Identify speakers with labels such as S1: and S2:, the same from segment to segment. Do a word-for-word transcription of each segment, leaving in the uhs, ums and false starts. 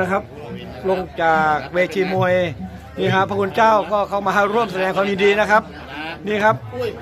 S1: นะครับลงจากเวทีมวยนี่ครับพระคุณเจ้าก็เข้ามาร่วมแสดงความยินดีนะครับนี่ครับ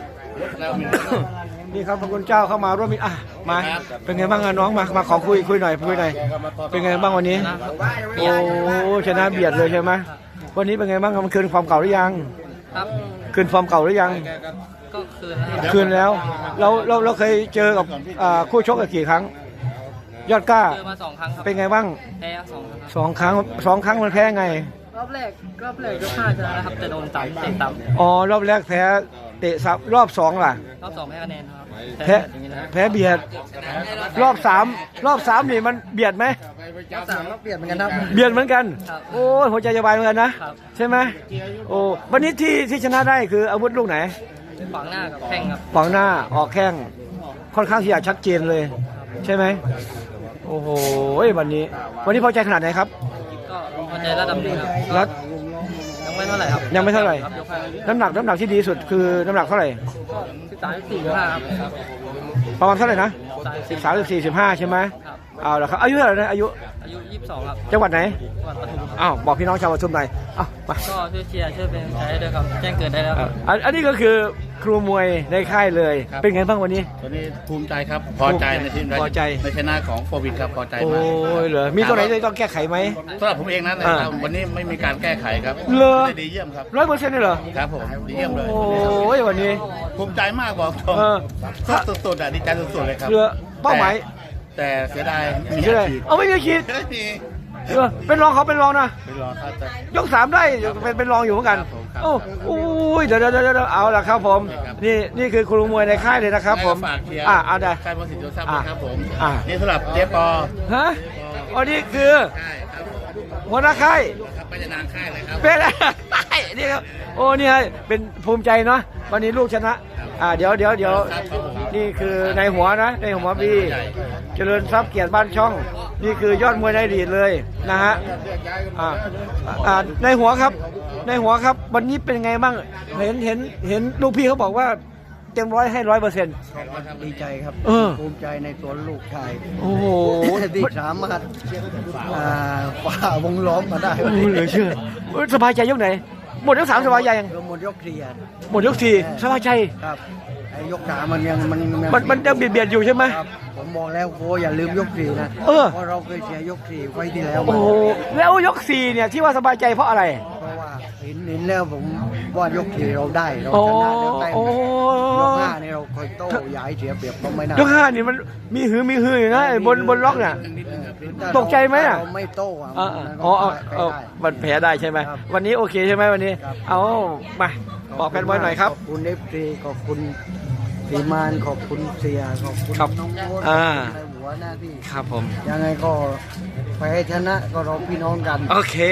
S1: นี่ครับพระคุณเจ้าเข้ามาร่วมมิตรอ่ะมาเป็นไงบ้างน้องมามาขอคุยคุยหน่อยคุยหน่อยเป็นไงบ้างวันนี้โอ้ชนะเบียดเลยใช่ไหมวันนี้เป็นไงบ้างมันคืนความเก่าหรือยัง
S2: ครับ
S1: คืนความเก่าหรือยัง
S2: ก็คืนแล้ว
S1: คืนแล้วเราเราเราเคยเจอกับคู่ชกกี่ครั้งยอดกล้า
S2: เจอมาสองครั้งครับ
S1: เป็นไงบ้าง
S2: แพ้สองครั้ง
S1: สองครั้งสองครั้งมันแพ้ไง
S2: รอบแรกรอบแรกยกห้าชนะนะครับแต่โดนต่ำเตะต่ำ
S1: อ๋อรอบแรกแพ้เตะซับรอบสองล่ะ
S2: รอบสองแพ้คะแนนครับ
S1: แพ้แพ้เบียดรอบสามรอบสามนี่มันเบียดไหม
S2: รอบสามรอบเบียดเหมือนกันครับ
S1: เบียดเหมือนกันโอ้ยหัวใจจะวายเหมือนกันนะใช่ไหมโอ้วันนี้ที่ที่ชนะได้คืออาวุธลูกไหน
S2: ขวางหน้ากับแข้งครับ
S1: ขวางหน้าออกแข้งค่อนข้างที่จะชัดเจนเลยใช่ไหมโอ้โหวันนี้วันนี้พอใจขนาดไหนครับ
S2: ก็พอใจระดับหนึ่งครับ
S1: แล้ว
S2: ยังไม่เท่าไหร่ครับ
S1: ยังไม่เท่าไหร่น้ำหนักน้ำหนักที่ดีสุดคือน้ำหนักเท่าไหร่
S2: สิบสามสิบสี่ห้าครับ
S1: ประมาณเท่าไหร่นะสิบสามสิบสี่สิบห้าใช่ไหมเอาละครับอายุเท่าไหร่นะอายุ
S2: อายุยี่สิบสองครับ
S1: จังหวัดไหน
S2: จังหวัดปทุม
S1: อ้าวบอกพี่น้องชาวปทุมหน่อยอ้าวมา
S2: ก็ช่วยเชียร์ช่วยเป็นใจด้วยครับแจ้งเกิดได้แล้วครับ
S1: อันนี้ก็คือครูมวยในค่ายเลยเป็นไงบ้างวันนี้
S3: วันนี้ภูมิใจครับพอใจในทีม
S1: พอใจ
S3: ในชนะของโควิดครับพอใจ
S1: มากโอ้ยเหรอมีตัวไหนที่ต้องแก้ไขไหม
S3: สำหรับผมเองนะวันนี้ไม่มีการแก้ไขครับ
S1: เลย
S3: ดีเยี่ยมครับ
S1: ร้อยเปอร์เซ็นต์เลยเหรอ
S3: ครับผมดีเยี่ยมเลย
S1: โอ้ยวันนี้
S3: ภูมิใจมากบอกตรงสุดๆอ่ะดีใจสุดๆเลยครับ
S1: เรือเป้าหมาย
S3: แต่เสียดาย
S1: มีอะไรเอาไม่มีคิดเป็นรองเขาเป็นรองนะ
S3: เป็นรองครับ
S1: ยกสามได้เป็นเป็นรองอยู่เหมือนกันโอ้โอ้ยเดี๋ยวเดี๋ยวเดี๋ยวเอาละครับผมนี่นี่คือครูมวยในค่ายเลยนะครับผมอ่าเอาได้
S3: ค่ายมวยสิทธิ์โยซับนะครับผมนี่สำหรับเจ๊ปอ
S1: ฮะอ๋อนี่คือหัวหน้าค่าย
S3: เป็นนางค่ายเลยครับ
S1: เป็นนี่ครับโอ้นี่เป็นภูมิใจเนาะวันนี้ลูกชนะอ่าเดี๋ยวเดี๋ยวเดี๋ยวนี่คือในหัวนะในหัวพี่เจริญทรัพย์เกียรติบ้านช่องนี่คือยอดมวยในอดีตเลยนะฮะอ่าอ่าในหัวครับในหัวครับวันนี้เป็นไงบ้างเห็นเห็นเห็นลูกพี่เขาบอกว่าเต็มร้อยให้ร้อยเปอร์เซ็นต์
S4: ดีใจครับภูมิใจในตัวลูกชาย
S1: โอ้โห
S4: ที่สามารถฝ่าวงล้อมมาได้
S1: เหลือเชื่อสบายใจยกไหนหมดยกสามสบายใจยัง
S4: หมดยกสี่
S1: หมดยกสี่สบายใจ
S4: ครับไอ้ยกสามมันยังมัน
S1: มันมันยังเบียดเบียดอยู่ใช่ไหม
S4: ผมบอกแล้วโค้อย่าลืมยกสี่นะเพราะเราเคยเสียยกสี่ไว้ที่แล้ว
S1: โอ้แล้วยกสี่เนี่ยที่ว่าสบายใจเพราะอะไร
S4: เพราะว่าเห็นเห็นแล้วผมว่ายกสี่เราได้เราชนะแล้วได้ยกห้านี่เราคอยโต้ย้ายเสียเปรียบก็ไม่น่าย
S1: กห้านี่มันมีหือมีหืออยู่นะบนบนล็อกเนี่ยตกใจไหมอ่ะ
S4: เราไม่โต้
S1: อ๋ออ๋อมันแพ้ได้ใช่ไหมวันนี้โอเคใช่ไหมวันนี้เอามาบอกแฟนบอลหน่อยครับ
S4: ขอบคุณเอฟซีขอบคุณสีมานขอบคุณเสียขอบคุณน้องโบ๊ทในหัวหน้าที่
S1: ครับผม
S4: ยังไงก็ไปให้ชนะก็เราพี่น้องกัน
S1: โอเค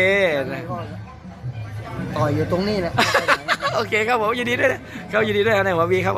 S4: ต่อยอยู่ตรงนี้แหละ
S1: โอเคครับผมยินดีด้วยเขายินดีด้วยในหัววีครับ